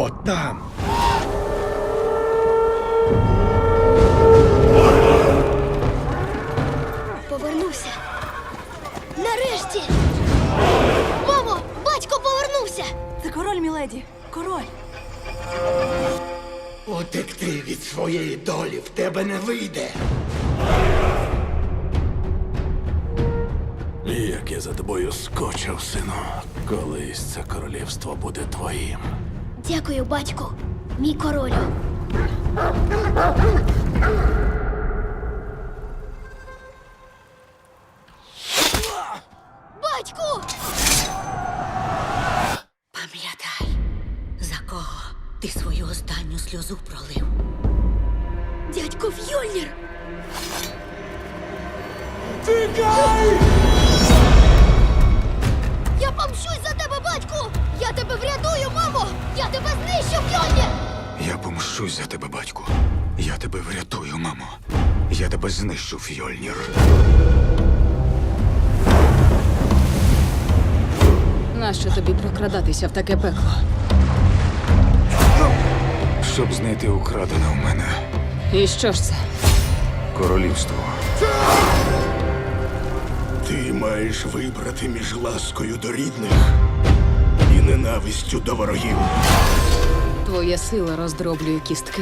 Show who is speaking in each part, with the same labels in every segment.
Speaker 1: От там.
Speaker 2: Повернувся. Нарешті! Мамо, батько повернувся!
Speaker 3: Це король, міледі. Король.
Speaker 1: Утекти від своєї долі в тебе не вийде.
Speaker 4: Як я за тобою скочив, сину. Колись це королівство буде твоїм.
Speaker 2: Дякую, батьку, мій королю. Батьку!
Speaker 5: Пам'ятай, за кого ти свою останню сльозу пролив.
Speaker 2: Дядько Фьольнір! Я помщусь за тебе, батьку! Я тебе врятую, мамо! Я тебе знищу, Фьольнір!
Speaker 1: Я помщусь за тебе, батьку. Я тебе врятую, мамо. Я тебе знищу, Фьольнір.
Speaker 6: Нащо тобі прокрадатися в таке пекло?
Speaker 1: Щоб знайти украдене у мене
Speaker 6: І що ж це?
Speaker 1: королівство.
Speaker 4: Ти маєш вибрати між ласкою до рідних і ненавистю до ворогів.
Speaker 6: Твоя сила роздроблює кістки.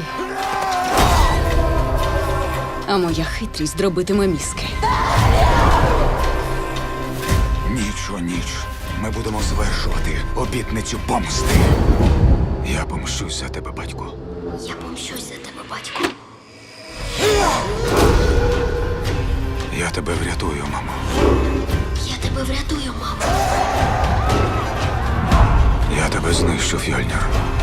Speaker 6: А моя хитрість дробитиме мізки.
Speaker 1: Ніч у ніч ми будемо звершувати обітницю помсти. Я помщусь за тебе, батьку.
Speaker 2: Я помщусь за тебе, батьку.
Speaker 1: Я тебе врятую, мамо.
Speaker 2: Я тебе врятую, мамо.
Speaker 1: Я тебе знищу, Фьольнір.